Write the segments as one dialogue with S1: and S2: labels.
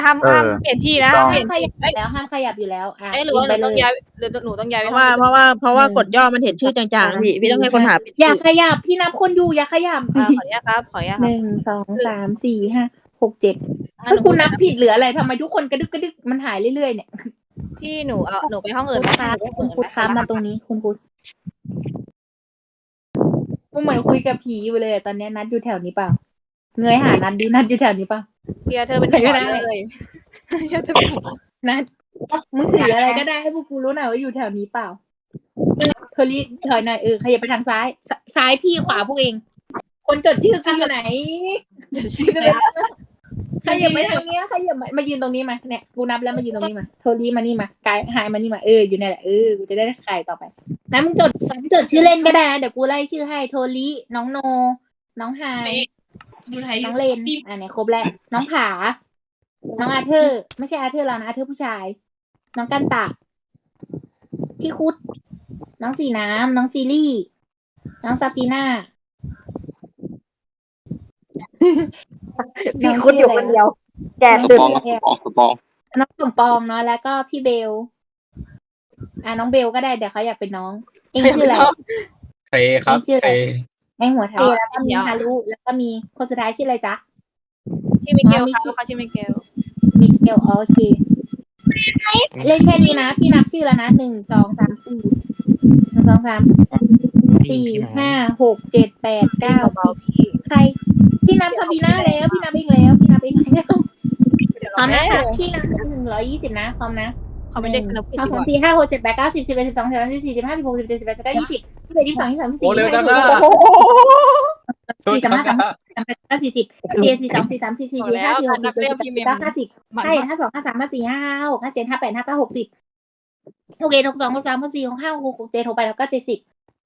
S1: ห้าม
S2: เออ
S1: เปลี่ยนที่นะ
S2: ต้อง
S1: เป
S3: ห้า
S1: ลี่
S3: ม
S1: ยน
S3: ขยับแล้วห้ามขยับอยู่แล้วอ่ะ
S1: หรือว่าห
S3: ไป
S1: นู
S3: เล
S1: ต้อง
S3: ย
S1: ย้ายหรือหนูต้องย้ายไป
S4: เพราะว่ากดย่อมันเห็นชื่อจางๆพี่ต้องให้คนหา
S3: อย่าขยับพี่นับคนอยู่อย่าขยับ
S1: ขออนุญาตครับขออนุญาตค
S3: ห
S1: รับ
S3: นึ่งสองสามสี่ห้าหกเจ็ด
S1: งั้น
S3: เฮ้ย
S1: หนู
S3: คุณนับผิดหรืออะไรทำไมทุกคนกระดึกกระดึกมันหายเรื่อยๆเนี่ย
S1: พี่หนูไปห้องอื่นไหม
S3: ค่ะ
S1: หนูไปห้อง
S3: คุณ
S1: อื่น
S3: คุ
S1: ไห
S3: ณค้ามาตรงนี้คุณคุดกูเหมือนคุยกับผีอยู่เลยอะตอนเนี้ยนัดอยู่แถวนี้เปล่าเงยหานัดดินัดอยู่แถวนี้เปล่า
S1: พี่เธอเป็น
S3: ใครก็
S1: หัว
S3: ได้
S1: เลยพี่เธอเป็นหัว
S3: นัดมึงถืออะไรก็ได้ให้พวกกูรู้หน่อยว่าอยู่แถวนี้เปล่าเธอรีบถอยหน่อยขยับไปทางซ้ายซ้ายพี่ขวาพวกเอง คนจดชื่อกูอยู่ไหน
S1: เดี๋ยวชื่อ
S3: จะ
S1: อะไร
S3: ไปขยับไปทางเนี้ยขยับมายืนตรงนี้มาเนี่ยกูนับแล้วมายืนตรงนี้มาโทรีมานี่มากายหายมานี่มาอยู่เนี่ยแหละกูจะได้ไข่ต่อไปนะมึงจดชื่อเล่นก็ได้นะเดี๋ยวกูไล่ชื่อให้โทรีน้องโน น้องไฮน้องเลนเนี่ยครบแล้วน้องผา น้องอาเธอร์ไม่ใช่อาเธอร์เรานะอาเธอร์ผู้ชาย น้องกันตะพี่คุด น้องสีน้ำน้องซีรี่ น้องซาฟีน่า
S4: พี่คุดอยู่คนเดียว แก
S5: ส
S4: ตื่น
S5: ปองสปอง
S3: น้องสมปองเนาะแล้วก็พี่เบลน้องเบลก็ได้เดี๋ยวเขาอยากเป็นน้องเองชื่ออะไร
S6: เคครับ
S3: ชื่ออะไร
S6: เค
S3: ในหัวเทแล้วก็มีฮารุแล้วก็มีคนสุดท้ายชื่ออะไรจ๊ะ
S1: ชื่อมิเกลครับเขาชื่อมิเกล
S3: มิเกลโอเคเล่นแค่นี้นะพี่นับชื่อแล้วนะ1 2 3 4 1 2 3 4 5 6 7 8 9 10ใครพี่นับซาบีน่าแล้วพี่นับเองแล้วพร้อมนะพี่นับ120นะพร้อมนะ
S1: เขาไม่ได้สนุก
S3: 2 3 4 5 6 7 8 9 10 11 12 13 14 15 16 17 18 19 20 21 22 23
S6: โอ้เร็วจัง
S3: 24
S6: อ่ะ
S3: 25 26 40 42 43 44 45 46 47 48 49 50ใช่52 53 54 55 56 57 58 59 60 61 62 63 64 65 66 67 68แล้วก็70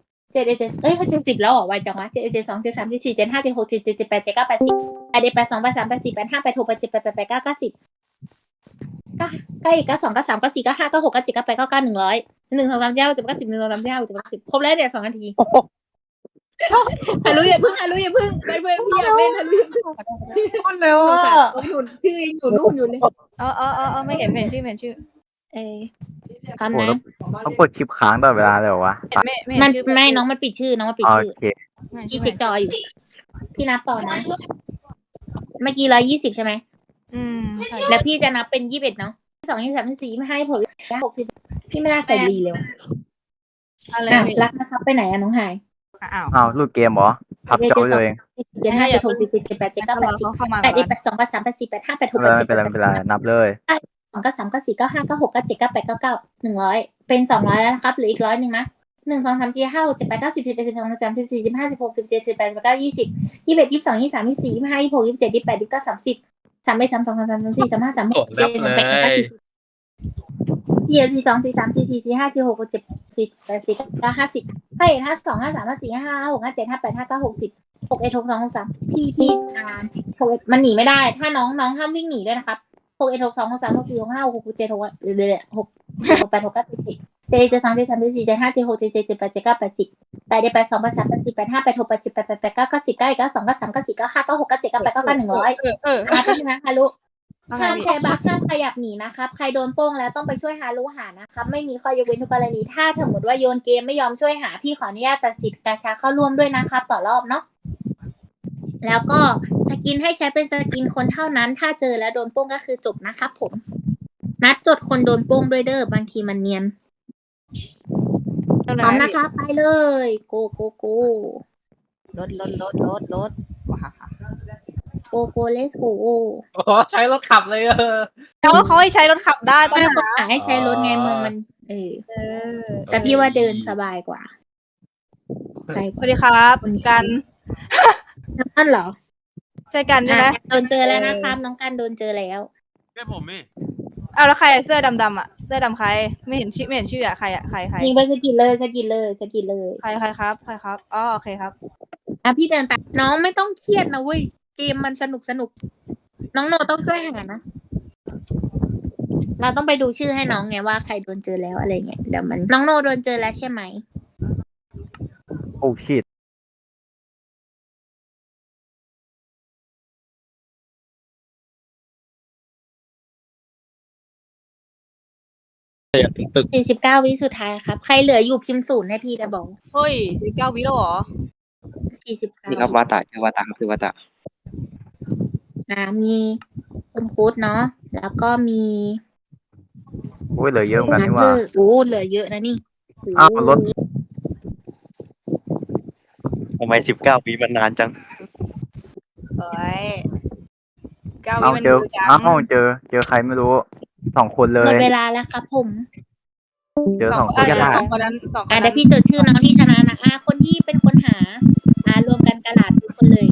S3: 7170แล้วเหรอไวจังวะ71 72 73 74 75 76 77 78 79 80 81 82 83 84 85 86 87 88 89 90ก็อีก92 93 94 95 96 97 98 99 100 1 2 3 4 5 6 7 8 9 10 1 2 3 4 5 6 7 8 9 10ครบแล้วเนี่ย2 นาทีฮารุอย่าพึ่งไปเพื่อนพี่อยากเล่นฮารุอย่าพึ่ง
S4: คนเร็วอ่ะ
S3: ชื่อยังอยู่นู่นอยู่เลย
S1: ไม่เห็นชื่อ
S3: พร้อม
S2: โอ้
S3: นะ
S2: ต้องกดชิปค้างตลอดเวลาเลยเหรอวะ
S3: มันไม่น้องมันปิดชื่อ
S2: โอ
S3: น้องมันปิดชื่อ
S2: เค
S3: พี่เช็คจออยู่พี่นับต่อนะเมื่อกี้120ใช่ไหมแล้วพี่จะนับเป็น21เนาะ2 23 24 25 26 60พี่ไม่น่าใส่รีเลย
S1: อะไร
S3: รักนะครับไปไหนอะน้องหาย
S2: อ้าวหลุดเกมเหรอ พับจอเลย
S3: 75 76 77 88 89 80 81 82 83 84 85 86
S2: ไม่
S3: 87
S2: เป็นไรไม่เป็นไรนับเลย
S3: 2 93 94 95 96 97 98 99 100เป็น200แล้วนะครับเหลืออีก100นึงนะ1 2 3 4 5 6 7 8 9 10 11 12 13 14 15 16 17 18 19 20 21 22 23 24 25 26 27 28 29 30 31 32 33 34 35 36 37 38 39 4042 43 44 45 46 47 48 49 50ให้52 53 54 55 56 57 58 59 60 61 62 63พี่61มันหนีไม่ได้ถ้าน้องห้ามวิ่งหนีด้วยนะครับ61 62 63 64 65 66 67 6เรื่อยๆ6 8 6 9 10 7 7 2 7 3 7 4 7 5 7 6 7 7 7 8 7 9 8 10 8 8 2 8 3 8 4 8 5 8 6 8 7 8 8 8 9 9 10 9 1 9 2 9 3 9 4 9 5 9 6 9 7 9 8 9 9 100เป็นยังไงคะลูกห้ามแชร์บัคห้ามขยับหนีนะครับใครโดนโป้งแล้วต้องไปช่วยฮารุหานะครับไม่มีข้อยกเว้นทุกกรณีถ้าสมมติว่าโยนเกมไม่ยอมช่วยหาพี่ขออนุญาตตัดสิทธิ์กาชาเข้าร่วมด้วยนะครับต่อรอบเนาะแล้วก็สกินให้ใช้เป็นสกินคนเท่านั้นถ้าเจอแล้วโดนโป้งก็คือจบนะครับผมนัดจดคนโดนโป้งด้วยเด้อบางทีมันเนียนพร้อมนะคะไปเลยโก
S1: รถ
S3: โกเลสโก
S6: โอ้ใช้รถขับเลย
S1: แล้วเขาให้ใช้รถขับได้ก็
S3: ไม่คนหาให้ใช้รถไงเมืองมันแต่พี่ว่าเดินสบายกว่า
S1: สวัสดีครับกัน
S3: นั่นเหรอ
S1: ใช่กันใช่ไหม
S3: โดนเจอแล้วนะครับน้องกันโดนเจอแล้ว
S7: แค่ผมนี่
S1: แล้วใครเสื้อดำอ่ะเสื้อดำใครไม่เห็นชื่ออ่ะใคร
S3: ยิงไปสกิดเลย
S1: ใครครับอ๋อโอเคครับ
S3: พี่เดินไปน้องไม่ต้องเครียดนะเว้ยเกมมันสนุกน้องโนต้องช่วยหานะเราต้องไปดูชื่อให้น้องไงว่าใครโดนเจอแล้วอะไรเงี้ยเดี๋ยวมันน้องโนโดนเจอแล้วใช่ไหม
S2: โอ้ชิต
S6: ตึก
S3: 49 วิสุดท้ายครับ ใครเหลืออยู่พิมพ์0ให้พี่จะบอก
S1: เฮ้ย19 วิแล้วเหรอ
S5: นี่ครับ
S3: 49
S5: วาตะชื่อวาตะครับชื่อวาตะ
S3: มีคุณคูดเนาะแล้วก็มี
S2: อุ้ยเหลือเยอะเหมือนกันนี่หว่า
S3: โอ้เหลือเยอะนะนี่
S2: อ้าวรถ
S7: ทำไม19 ปีมันนานจัง
S1: เฮ้ย9 วิ
S2: เอา
S1: มัน
S2: เจอ
S1: ดูจัง
S2: อ้าวเจอใครไม่รู้2 คนเล
S3: หม
S2: ย
S3: ดเวลาแล้วครับผม
S2: เจอ
S1: ส
S2: ส
S1: อ
S2: อง ง
S1: ค
S2: คน น
S1: นั้น
S2: ได้
S1: สองคนนั้นสองคน
S3: เดี๋
S1: นั้
S3: ยวน พี่จดชื่อน้องที่ชนะนะคนที่เป็นคนหารวมกันกระดาษทุกคนเลย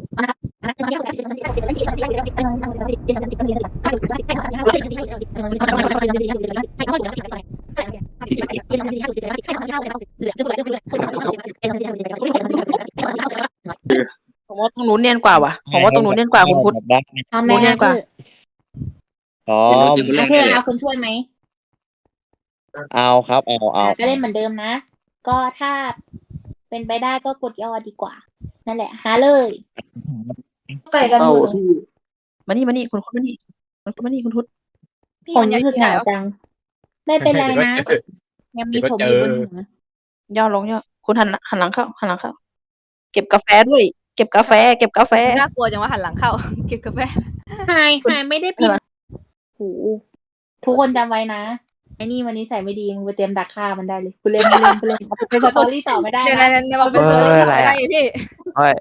S4: ผมว่าตรงนู้นเนียนกว่าว่ะผมว่าตรงนู้นเนียนกว่าคุณพุทธ
S3: เอาไหม
S4: โมเนียนกว่า
S7: อ๋อ
S3: อาเธอเอาคนช่วยไหม
S7: เอาครับ เอา
S3: ก็เล่นเหมือนเดิมนะ ก็ถ้าเป็นไปได้ก็กดย่อดีกว่า นั่นแหละหาเลยไปกันหมดเลย
S4: มานี่คุณพุทธมานี่คุณพุทธ
S1: พี่
S3: ผม
S1: มัน
S3: รู้สึกเหงาจัง ไม่เป็นไรนะ ยังมีผมอยู่บนหัว
S4: ย่อลงย่อคุณหันหลังเข้า เก็บกาแฟด้วย เก็บกาแฟ
S1: น่ากลัวจังว่าหันหลังเข้า เก็บกาแฟ
S3: หายไม่ได้พิมพ์โหทุกคนจำไว้นะไอ้นี่วันนี้ใส่ไม่ดีมึงไปเตรียมดักฆ่ามันได้เลยกูเล่นเป็นสตอรี่ต่อไม่ได้
S1: เดี๋ยว
S3: นะ
S1: ๆๆมาเป็นตัวเลขอะไรพี่
S2: เฮ้ย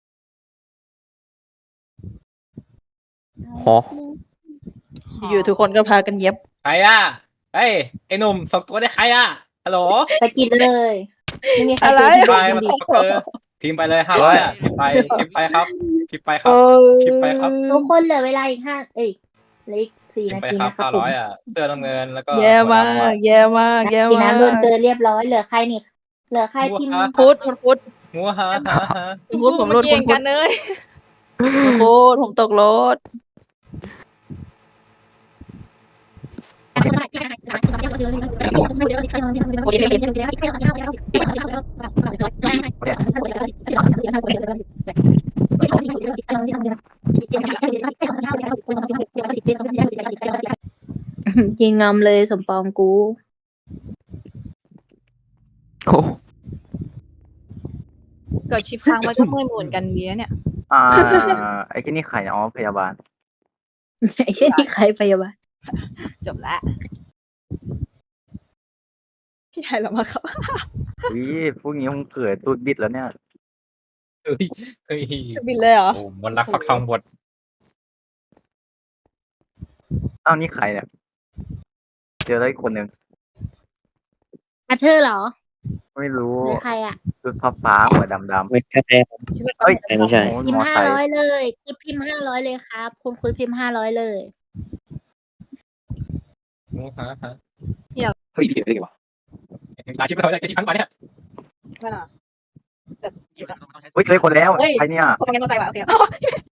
S7: หอ
S4: อยู่ทุกคนก็พากันเย็บ
S6: ใครอ่ะเฮ้ยไอ้หนุ่มส่งตัวได้ใครอ่ะฮัลโหล
S3: ไปกินเลยไม่มีใคร
S4: อะไร
S3: เจอ
S6: ไป
S3: ที่
S6: มา
S3: ดี
S6: ตกเออพิมพ์ไปเลย500อ่ะพิมพ์ไปครับพิมพ์ไปครับ พิมพ์ไปครับ
S3: ทุกคนเหลือเวลาอีกเหลืออีก
S6: พิ
S3: 4
S6: ม
S3: นา
S6: พ์ไป
S3: ที
S6: ครับ
S3: นะครับผม
S6: 500อ่ะเสื้อน้ำเงินแล้วก็
S4: แย่มาก
S3: สีน้ำโดนเจอเรียบร้อยเหลือใครนี่เหลือใครพิมพ์
S4: พุทธคุณพุทธ
S6: งัวฮะ
S4: คุณพุทธผมรถ
S1: เกี่
S4: คุ
S1: ย
S4: ณ
S1: ง
S4: พุ
S1: กั
S4: ท
S1: น
S4: ธ
S1: เลย
S4: คุณพุทธผมตกรถ
S3: ยิงงอมเลยสมปองกู
S7: โอ้
S1: เกิดชิปค้างมันก็เมื่อยเหมือนกันดีนะเนี่ย
S2: ไอ้ที่นี่ใครอ๋อพยาบาล
S3: ไอ้เช่นที่ใครพยาบาล
S1: จบละพี่ไทยเรามาครับ
S2: วิพวกนี้คงเกิดตูดบิดแล้วเนี่ย
S6: เฮ้ยเฮ้ย
S1: บินเลยเหรอ
S6: โอ้มนต์รักฟักทองบท
S2: อ้าวนี่ใครเนี่ยเจอแล้วอีกคนหนึ่ง
S3: อาเธอร์เหรอ
S2: ไม่รู้
S3: หรือใครอ่ะ
S2: ชุดฟ้าๆหัวดำ
S7: ไม่ใช่
S2: ๆเฮ้ย
S7: ไม่ใช่
S2: โอ้โห
S3: พิม
S2: มอ
S3: พ์
S2: ไซค์
S3: 500เลยคุณพิมพ์500เลยครับ คุณพิมพ์500เลย
S6: งัวฮะ
S7: เฮ้ยพี่เดี๋ยววะ
S6: หลายชิปเลยไอ้ชิปทั้งวันเนี่ย
S1: ไม่หรอ
S2: เฮ้ยเจอคนแล้ว
S1: เฮ้ย
S2: ใครเนี่ย
S1: พวกมันยังโดนใจว่ะโอเค